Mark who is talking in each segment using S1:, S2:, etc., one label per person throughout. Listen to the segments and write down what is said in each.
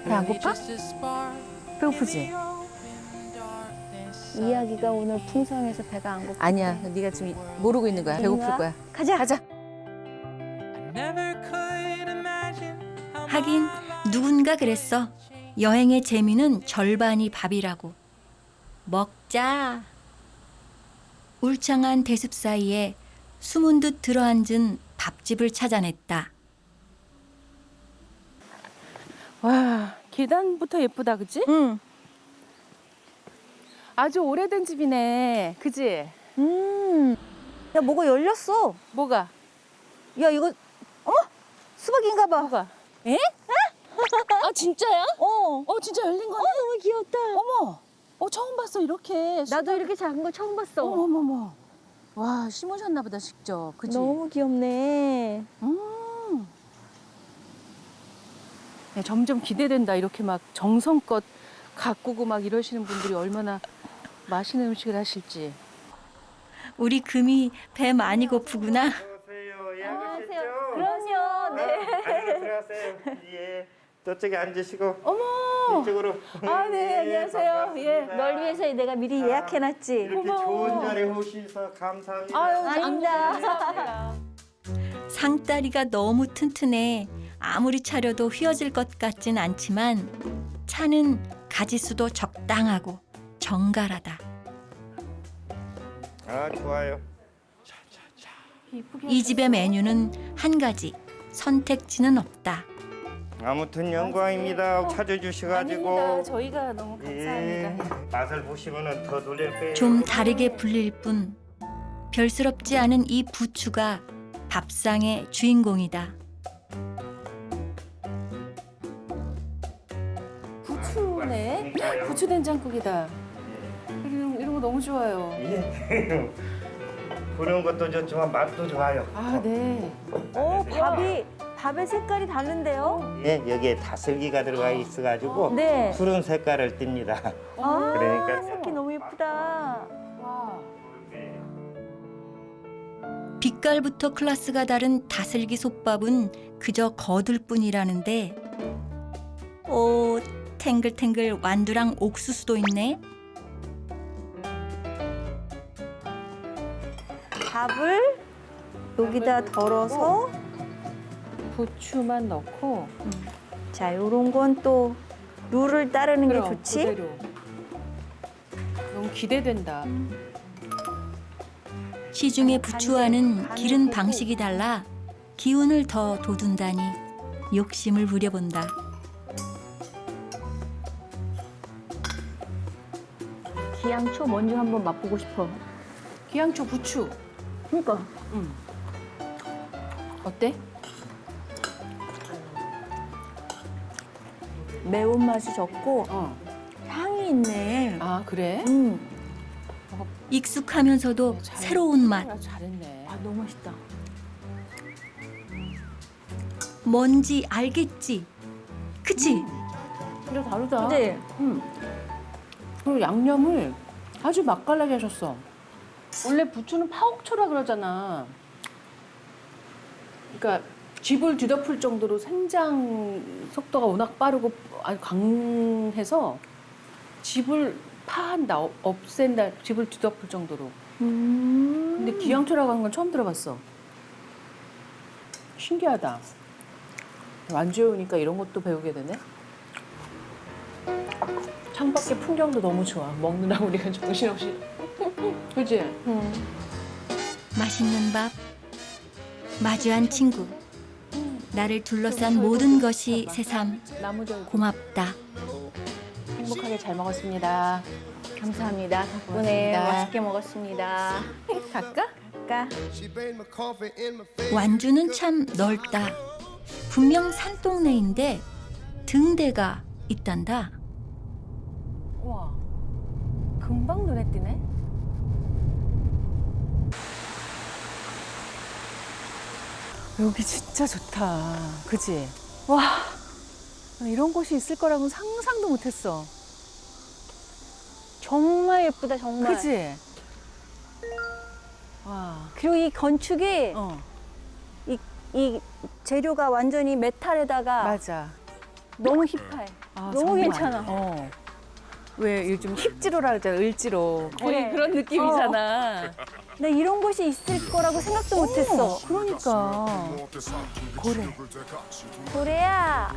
S1: 배 안 고파? 배고프지?
S2: 이야기가 오늘 풍성해서 배가 안 고파.
S1: 아니야, 네가 지금 모르고 있는 거야. 배고플 거야.
S2: 가자.
S1: 가자.
S3: 하긴 누군가 그랬어. 여행의 재미는 절반이 밥이라고. 먹자. 울창한 대숲 사이에 숨은 듯 들어앉은 밥집을 찾아냈다.
S1: 와, 계단부터 예쁘다, 그치?
S2: 응.
S1: 아주 오래된 집이네, 그치?
S2: 야, 뭐가 열렸어.
S1: 뭐가?
S2: 야, 이거 어머, 수박인가 봐.
S1: 뭐가? 에? 아, 진짜야?
S2: 어.
S1: 진짜 열린 거네?
S2: 너무 귀엽다.
S1: 어머, 처음 봤어, 이렇게.
S2: 나도 이렇게 작은 거 처음 봤어.
S1: 어머머머. 와, 심으셨나 보다, 직접. 그치?
S2: 너무 귀엽네.
S1: 야, 점점 기대된다. 이렇게 막 정성껏 가꾸고 막 이러시는 분들이 얼마나 맛있는 음식을 하실지.
S3: 우리 금이 배 많이 고프구나.
S4: 안녕하세요. 예약하셨죠?
S2: 그럼요. 네.
S4: 안으로 들어가세요. 예. 저쪽에 앉으시고
S1: 어머!
S4: 이쪽으로.
S1: 아, 네, 안녕하세요.
S4: 반갑습니다.
S2: 널 위해서 내가 미리 예약해놨지.
S4: 이렇게
S1: 고마워.
S4: 좋은 자리에 오셔서 감사합니다.
S1: 아유,
S2: 아닙니다.
S3: 상다리가 너무 튼튼해 아무리 차려도 휘어질 것 같진 않지만 차는 가지수도 적당하고 정갈하다.
S4: 아, 좋아요.
S1: 이쁘게
S3: 이 집의 메뉴는 한 가지, 선택지는 없다.
S4: 아무튼 영광입니다. 찾아주셔가지고.
S1: 아닙니다. 저희가 너무 감사합니다.
S4: 맛을 보시면은 더 놀랄 거예요.
S3: 좀 다르게 불릴 뿐 별스럽지 않은 이 부추가 밥상의 주인공이다.
S1: 부추네. 부추 된장국이다. 이런 거 너무 좋아요.
S4: 예. 그런 것도 좋지만 맛도 좋아요.
S1: 아, 네.
S2: 밥의 색깔이 다른데요?
S4: 예, 여기에 다슬기가 들어가 있어가지고
S2: 네.
S4: 푸른 색깔을 띱니다.
S2: 아,
S4: 그러니까
S2: 색이 너무 예쁘다.
S1: 와.
S3: 빛깔부터 클래스가 다른 다슬기 솥밥은 그저 거들 뿐이라는데 오, 탱글탱글 완두랑 옥수수도 있네.
S2: 밥을 여기다 덜어서
S1: 부추만 넣고
S2: 자, 요런 건 또 룰을 따르는 게
S1: 그럼
S2: 좋지.
S1: 그대로. 너무 기대된다.
S3: 시중의 부추와는 기른 방식이 달라 기운을 더 돋운다니 욕심을 부려본다.
S2: 기양초 먼저 한번 맛보고 싶어.
S1: 기양초 부추.
S2: 그러니까
S1: 어때?
S2: 매운맛이 적고 향이 있네.
S1: 아, 그래?
S3: 익숙하면서도 새로운 맛.
S1: 잘했네.
S2: 아, 너무 맛있다.
S3: 뭔지 알겠지? 그치?
S1: 진짜 다르다.
S2: 근데
S1: 그리고 양념을 아주 맛깔나게 하셨어. 원래 부추는 파옥초라 그러잖아. 그러니까 쥐불 뒤덮을 정도로 생장 속도가 워낙 빠르고 아주 강해서 쥐불 파한다, 없앤다, 쥐불 뒤덮을 정도로. 근데 기양초라고 하는 건 처음 들어봤어. 신기하다. 완주에 오니까 이런 것도 배우게 되네. 창밖의 풍경도 너무 좋아. 먹느라 우리가 정신없이. 그치?
S3: 맛있는 밥, 마주한 친구, 나를 둘러싼 모든 것이 새삼
S1: 나무절
S3: 고맙다.
S1: 행복하게 잘 먹었습니다.
S2: 감사합니다. 덕분에
S1: 고맙습니다.
S2: 맛있게 먹었습니다.
S1: 갈까?
S2: 아까
S3: 완주는 참 넓다. 분명 산동네인데 등대가 있단다.
S1: 우와, 금방 눈에 띄네. 여기 진짜 좋다. 그치? 와, 이런 곳이 있을 거라고는 상상도 못했어.
S2: 정말 예쁘다, 정말.
S1: 그치? 와,
S2: 그리고 이 건축이
S1: 어,
S2: 이 재료가 완전히 메탈에다가
S1: 맞아.
S2: 너무 힙해.
S1: 아,
S2: 너무
S1: 정말.
S2: 괜찮아.
S1: 왜 요즘 힙지로라 그러잖아, 을지로. 거의
S2: 그래.
S1: 그런 느낌이잖아.
S2: 나 이런 곳이 있을 거라고 생각도 못했어.
S1: 그러니까. 고래.
S2: 고래야.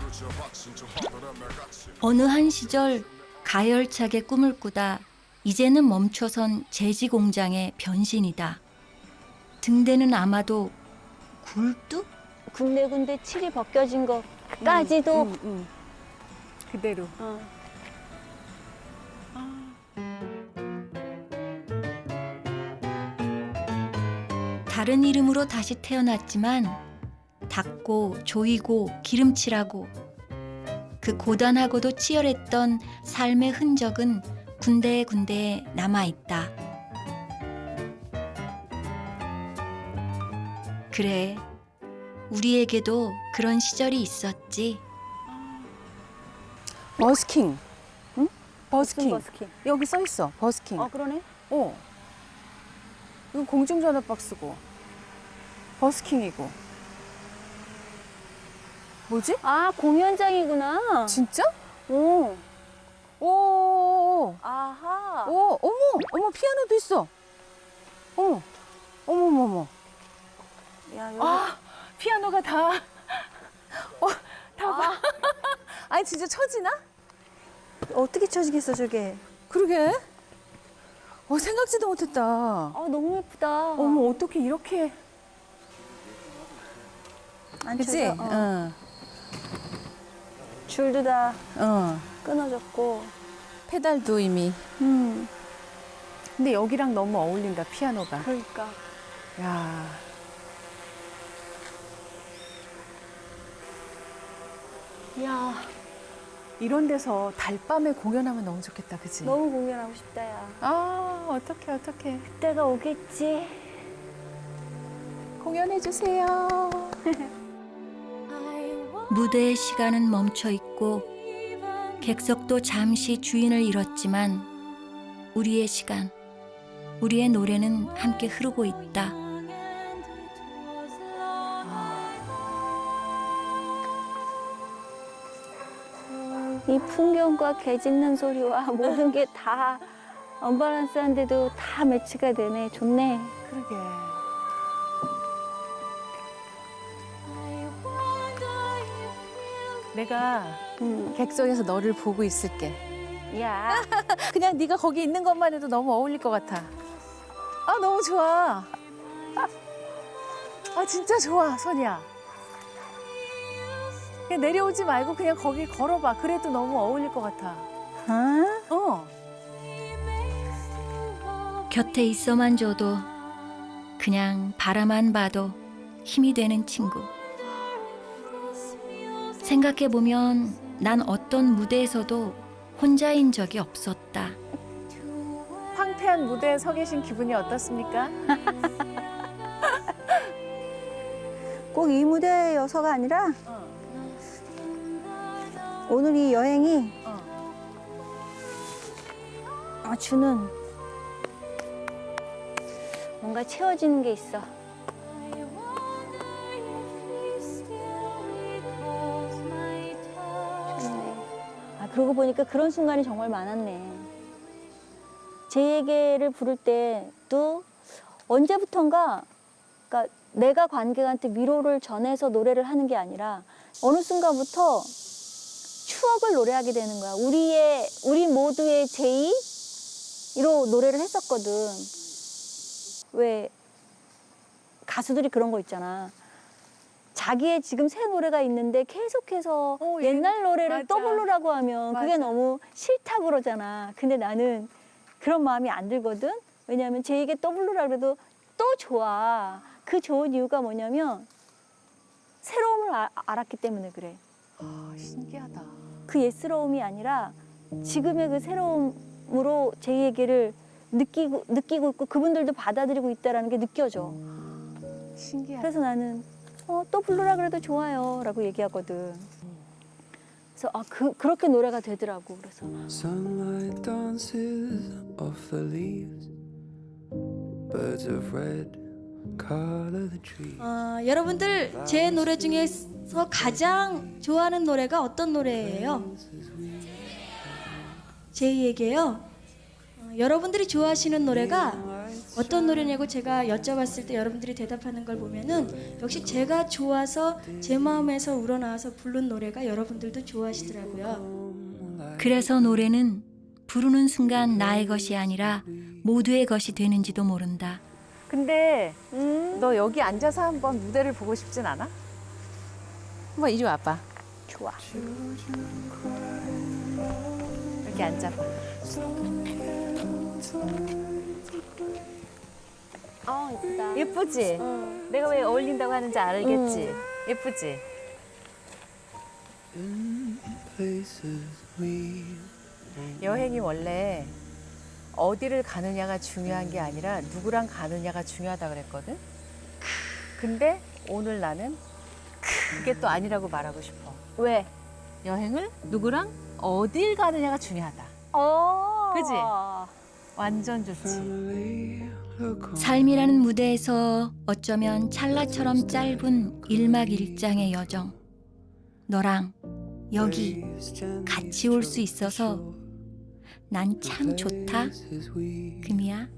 S3: 어느 한 시절 가열차게 꿈을 꾸다 이제는 멈춰선 제지 공장의 변신이다. 등대는 아마도 굴뚝?
S2: 군데군데 칠이 벗겨진 것까지도
S1: 그대로.
S3: 다른 이름으로 다시 태어났지만 닦고 조이고 기름칠하고 그 고단하고도 치열했던 삶의 흔적은 군데군데 남아있다. 그래, 우리에게도 그런 시절이 있었지.
S1: 버스킹. 응? 버스킹.
S2: 버스킹.
S1: 여기 써 있어. 버스킹.
S2: 그러네.
S1: 이거 공중전화 박스고. 버스킹이고. 뭐지?
S2: 아, 공연장이구나.
S1: 진짜?
S2: 오.
S1: 오.
S2: 아하.
S1: 오, 어머, 피아노도 있어. 어머.
S2: 야, 여기.
S1: 피아노가 다. 다 봐. 아니, 진짜 쳐지나?
S2: 어떻게 쳐지겠어, 저게.
S1: 그러게. 생각지도 못했다.
S2: 너무 예쁘다.
S1: 어머, 어떻게 이렇게.
S2: 안
S1: 그치?
S2: 쳐져.
S1: 응.
S2: 줄도 다
S1: 응.
S2: 끊어졌고.
S1: 페달도 이미. 근데 여기랑 너무 어울린다, 피아노가.
S2: 그러니까.
S1: 야.
S2: 야,
S1: 이런 데서 달밤에 공연하면 너무 좋겠다, 그치?
S2: 너무 공연하고 싶다, 야.
S1: 어떡해.
S2: 그때가 오겠지.
S1: 공연해주세요.
S3: 무대의 시간은 멈춰 있고 객석도 잠시 주인을 잃었지만 우리의 시간, 우리의 노래는 함께 흐르고 있다.
S2: 이 풍경과 개 짖는 소리와 모든 게 다 언밸런스한데도 다 매치가 되네. 좋네.
S1: 그러게. 내가 객석에서 너를 보고 있을게.
S2: 야,
S1: 그냥 네가 거기 있는 것만 해도 너무 어울릴 것 같아. 너무 좋아. 진짜 좋아, 선이야. 그냥 내려오지 말고 그냥 거기 걸어봐. 그래도 너무 어울릴 것 같아.
S3: 곁에 있어만 줘도 그냥 바라만 봐도 힘이 되는 친구. 생각해보면 난 어떤 무대에서도 혼자인 적이 없었다.
S1: 황폐한 무대에 서 계신 기분이 어떻습니까?
S2: 꼭 이 무대여서가 아니라 오늘 이 여행이 주는 뭔가 채워지는 게 있어. 좋네. 그러고 보니까 그런 순간이 정말 많았네. 제에게를 부를 때도 언제부턴가, 그러니까 내가 관객한테 위로를 전해서 노래를 하는 게 아니라 어느 순간부터 추억을 노래하게 되는 거야. 우리 모두의 제이로 노래를 했었거든. 왜 가수들이 그런 거 있잖아. 자기의 지금 새 노래가 있는데 계속해서 옛날 노래를
S1: 맞아.
S2: 떠부르라고 하면 그게
S1: 맞아.
S2: 너무 싫다고 그러잖아. 근데 나는 그런 마음이 안 들거든. 왜냐하면 제에게 떠부르라 그래도 또 좋아. 그 좋은 이유가 뭐냐면 새로움을 알았기 때문에 그래.
S1: 신기하다.
S2: 그 옛스러움이 아니라 지금의 그 새로움으로 제 얘기를 느끼고 있고 그분들도 받아들이고 있다는 게 느껴져.
S1: 신기하다.
S2: 그래서 나는 또 부르라 그래도 좋아요 라고 얘기하거든. 그래서 그렇게 노래가 되더라고. 그래서
S5: Sunlight dances off the leaves. Birds of red 여러분들 제 노래 중에서 가장 좋아하는 노래가 어떤 노래예요? 제이에게요. 여러분들이 좋아하시는 노래가 어떤 노래냐고 제가 여쭤봤을 때 여러분들이 대답하는 걸 보면은 역시 제가 좋아서 제 마음에서 우러나와서 부른 노래가 여러분들도 좋아하시더라고요.
S3: 그래서 노래는 부르는 순간 나의 것이 아니라 모두의 것이 되는지도 모른다.
S1: 근데 너 여기 앉아서 한번 무대를 보고 싶진 않아? 한번 이리 와봐.
S2: 좋아.
S1: 이렇게 앉아봐.
S2: 이쁘다.
S1: 예쁘지? 내가 왜 어울린다고 하는지 알겠지? 예쁘지? 여행이 원래 어디를 가느냐가 중요한 게 아니라 누구랑 가느냐가 중요하다 그랬거든? 근데 오늘 나는 그게 또 아니라고 말하고 싶어.
S2: 왜?
S1: 여행을 누구랑 어딜 가느냐가 중요하다. 그지? 완전 좋지.
S3: 삶이라는 무대에서 어쩌면 찰나처럼 짧은 일막일장의 여정. 너랑 여기 같이 올 수 있어서 난 참 좋다. 금이야.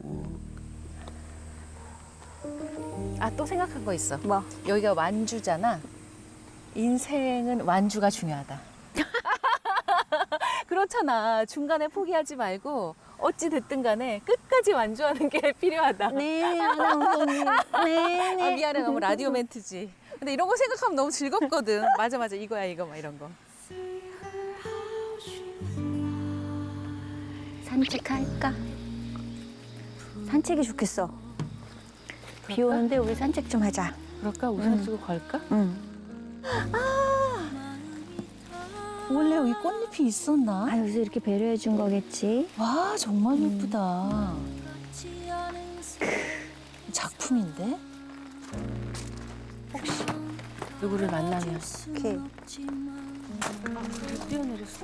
S1: 아, 또 생각한 거 있어.
S2: 뭐?
S1: 여기가 완주잖아. 인생은 완주가 중요하다. 그렇잖아. 중간에 포기하지 말고 어찌 됐든 간에 끝까지 완주하는 게 필요하다.
S2: 네, 아나운서님. 네.
S1: 아, 미안해. 너무 라디오 멘트지. 근데 이런 거 생각하면 너무 즐겁거든. 맞아. 이거야, 이거 막 이런 거.
S2: 산책할까? 산책이 좋겠어. 비 오는데 우리 산책 좀 하자.
S1: 그럴까? 우산 쓰고 걸까?
S2: 응.
S1: 원래 여기 꽃잎이 있었나?
S2: 아, 여기서 이렇게 배려해 준 거겠지.
S1: 와, 정말 예쁘다. 작품인데? 혹시 누구를 만나면
S2: 오케이.
S1: 뛰어내렸어?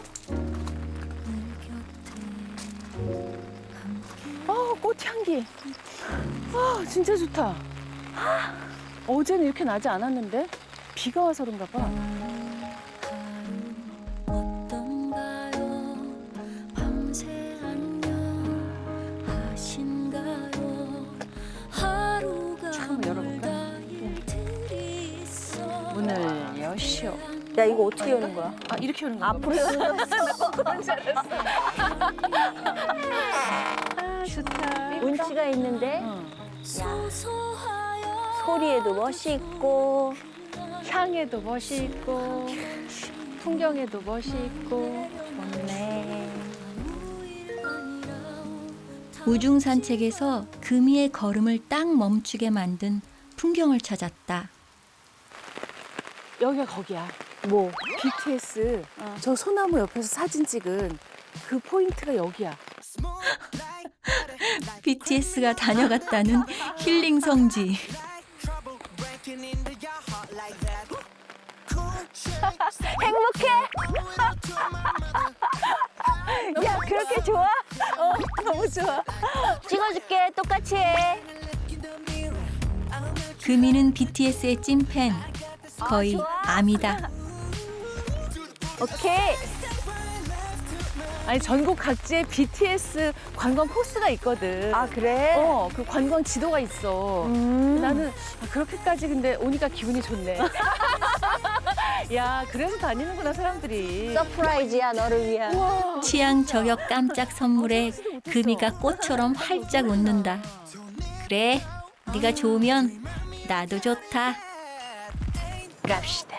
S1: 꽃향기. 진짜 좋다. 어제는 이렇게 나지 않았는데 비가 와서 그런가 봐. 참 열어볼까? 문을 여시오.
S2: 야, 이거 어떻게 여는 거야?
S1: 아, 이렇게 여는 거야?
S2: 앞으로 여는
S1: 좋다.
S2: 운치가 있는데
S1: 응.
S2: 소리에도 멋이 있고
S1: 향에도 멋이 있고 풍경에도 멋이 있고
S2: 좋네.
S3: 우중 산책에서 금이의 걸음을 딱 멈추게 만든 풍경을 찾았다.
S1: 여기가 거기야.
S2: 뭐?
S1: BTS 저 소나무 옆에서 사진 찍은 그 포인트가 여기야.
S3: BTS가 다녀갔다는 힐링 성지.
S2: 행복해? 야, 그렇게 좋아?
S1: 너무 좋아.
S2: 찍어줄게. 똑같이 해.
S3: 금이는 BTS의 찐팬. 거의 암이다.
S2: 오케이.
S1: 아니 전국 각지에 BTS 관광 코스가 있거든.
S2: 아, 그래?
S1: 그 관광 지도가 있어. 나는 그렇게까지 근데 오니까 기분이 좋네. 야, 그래서 다니는구나 사람들이.
S2: 서프라이즈야, 너를 위한.
S1: 우와.
S3: 취향 저격 깜짝 선물에 금이가 꽃처럼 활짝 웃는다. 그래, 네가 좋으면 나도 좋다.
S1: 갑시다.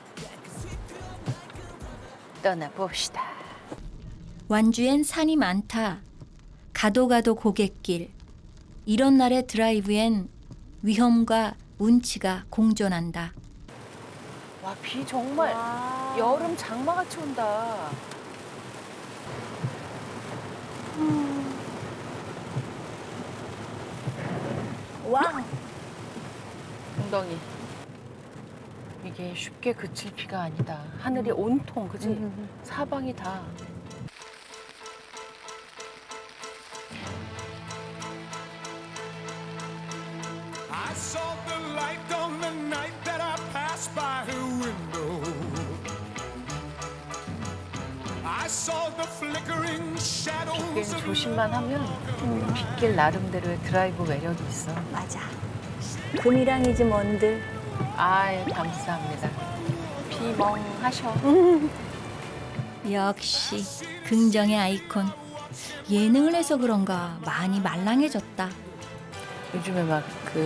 S1: 떠나봅시다.
S3: 완주엔 산이 많다. 가도 가도 고갯길. 이런 날의 드라이브엔 위험과 운치가 공존한다.
S1: 와, 비 정말 여름 장마같이 온다.
S2: 와우.
S1: 엉덩이. 이게 쉽게 그칠 비가 아니다. 하늘이 온통, 그지? 사방이 다.
S6: saw the light on the night that I passed by her window. I saw the flickering shadows
S1: 빗길
S6: of
S1: 조심만 하면 빗길 나름대로의 드라이브 매력이 있어.
S2: 맞아. 금이랑이지 뭔들.
S1: 아유 감사합니다. 비멍하셔.
S3: 역시 긍정의 아이콘. 예능을 해서 그런가 많이 말랑해졌다.
S1: 요즘에 막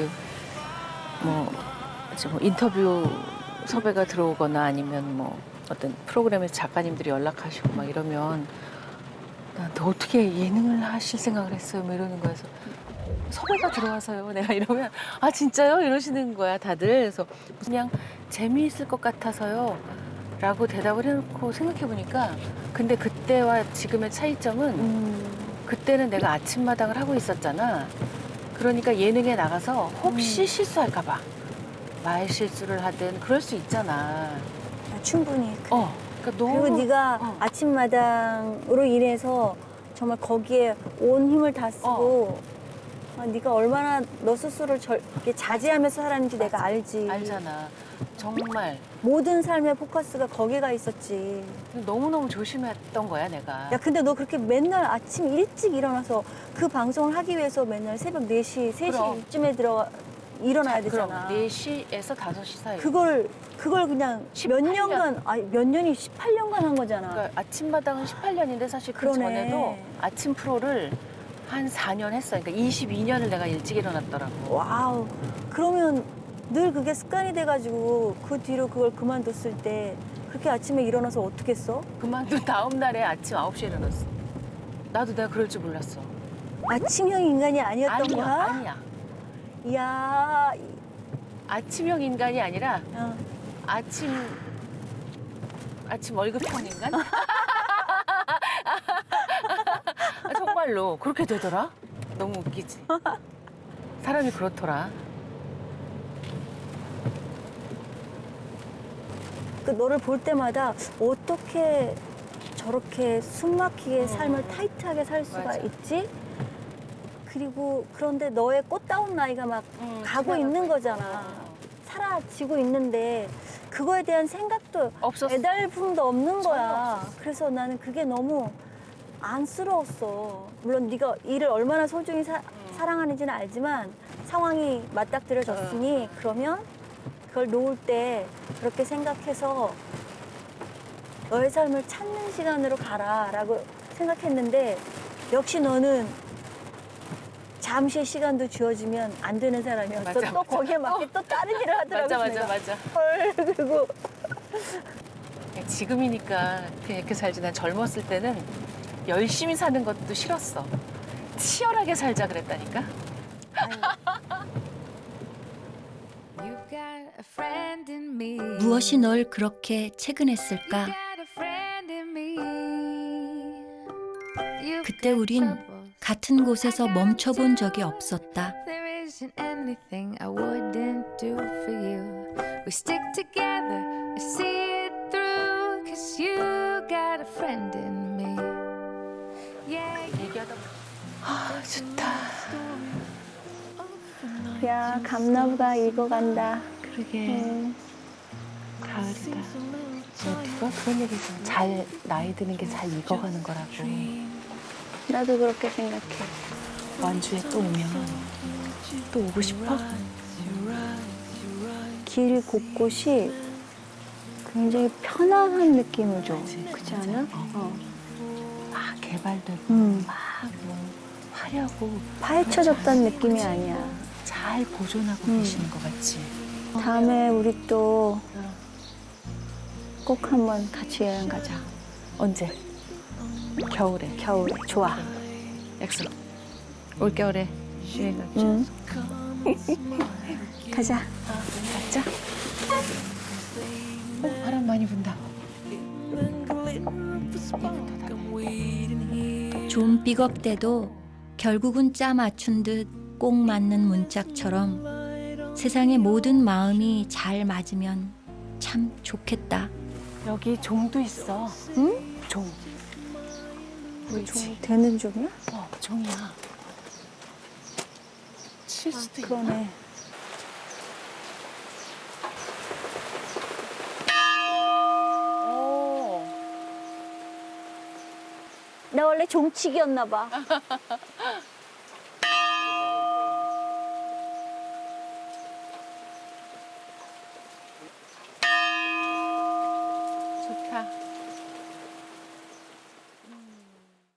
S1: 뭐 인터뷰 섭외가 들어오거나 아니면 뭐 어떤 프로그램에서 작가님들이 연락하시고 막 이러면 나한테 어떻게 예능을 하실 생각을 했어요? 뭐 이러는 거여서 섭외가 들어와서요. 내가 이러면 아 진짜요? 이러시는 거야 다들. 그래서 그냥 재미있을 것 같아서요. 라고 대답을 해놓고 생각해보니까 근데 그때와 지금의 차이점은 그때는 내가 아침마당을 하고 있었잖아. 그러니까 예능에 나가서 혹시 실수할까 봐 말 실수를 하든 그럴 수 있잖아.
S2: 아, 충분히.
S1: 그러니까 너무
S2: 그리고 네가 아침마당으로 일해서 정말 거기에 온 힘을 다 쓰고 네가 얼마나 너 스스로를 이렇게 자제하면서 살았는지 내가 알지.
S1: 알잖아. 정말
S2: 모든 삶의 포커스가 거기가 있었지.
S1: 너무너무 조심했던 거야 내가.
S2: 야, 근데 너 그렇게 맨날 아침 일찍 일어나서 그 방송을 하기 위해서 맨날 새벽 4시, 3시쯤에 일어나야 되잖아.
S1: 그럼 4시에서 5시 사이.
S2: 그걸 그냥 몇
S1: 18년.
S2: 년간, 아니 몇 년이 18년간 한 거잖아.
S1: 그러니까 아침마당은 18년인데 사실 그
S2: 그러네.
S1: 전에도 아침 프로를 한 4년 했어. 그러니까 22년을 내가 일찍 일어났더라고.
S2: 와우. 그러면 늘 그게 습관이 돼가지고 그 뒤로 그걸 그만뒀을 때 그렇게 아침에 일어나서 어떻게 써?
S1: 그만둔 다음 날에 아침 9시에 일어났어. 나도 내가 그럴 줄 몰랐어.
S2: 아침형 인간이 아니었던
S1: 아니야,
S2: 거야?
S1: 아니야.
S2: 이야.
S1: 아침형 인간이 아니라
S2: 어.
S1: 아침 월급형 인간? 정말로 그렇게 되더라? 너무 웃기지? 사람이 그렇더라.
S2: 그 너를 볼 때마다 어떻게 저렇게 숨막히게 삶을 타이트하게 살 수가
S1: 맞아.
S2: 있지? 그리고 그런데 너의 꽃다운 나이가 막 가고 있는 거잖아. 사라지고 있는데 그거에 대한 생각도
S1: 없었어.
S2: 애달픔도 없는
S1: 전혀
S2: 거야.
S1: 없었어.
S2: 그래서 나는 그게 너무 안쓰러웠어. 물론 네가 일을 얼마나 소중히 사랑하는지는 알지만 상황이 맞닥뜨려졌으니 그러면 그걸 놓을 때 그렇게 생각해서 너의 삶을 찾는 시간으로 가라라고 생각했는데 역시 너는 잠시의 시간도 주어지면 안 되는 사람이었어.
S1: 맞아,
S2: 또
S1: 맞아.
S2: 거기에 맞게 또 다른 일을 하더라고.
S1: 맞아.
S2: 헐, 그리고
S1: 지금이니까 그냥 이렇게 살지. 난 젊었을 때는 열심히 사는 것도 싫었어. 치열하게 살자 그랬다니까.
S3: 무엇이 널 그렇게 채근했을까? 그때 우린 같은 곳에서 멈춰본 적이 없었다.
S7: There isn't anything I wouldn't do for you. We stick together, I see it through. 'Cause you got a friend in me. Yeah,
S1: 얘기하다 아 좋다.
S2: 야, 감나무가 익어간다.
S1: 그러게 가을이다. 누가 그런 얘기 있잖아. 잘 나이 드는 게 잘 익어가는 거라고.
S2: 나도 그렇게 생각해.
S1: 완주에 또 오면 또 오고 싶어?
S2: 길 곳곳이 굉장히 편안한 느낌을 줘. 그렇지 않아?
S1: 막 개발되고
S2: 음.
S1: 뭐 화려하고
S2: 파헤쳐졌다는 느낌이 아니야.
S1: 잘 보존하고 계시는 것 같지.
S2: 다음에 우리 또 꼭 한번 같이 여행 가자.
S1: 언제? 겨울에.
S2: 겨울에. 좋아.
S1: 약속. 올 겨울에 여행 가자.
S2: 응. 가자.
S1: 가자. 바람 많이 분다.
S3: 좀 삐걱대도 결국은 짜 맞춘 듯 꼭 맞는 문짝처럼 세상의 모든 마음이 잘 맞으면 참 좋겠다.
S1: 여기 종도 있어.
S2: 응?
S1: 종.
S2: 좀 되는 종이야?
S1: 종이야. 칠 수도 있나?
S2: 그러네. 나 원래 종치기였나 봐.
S1: 좋다.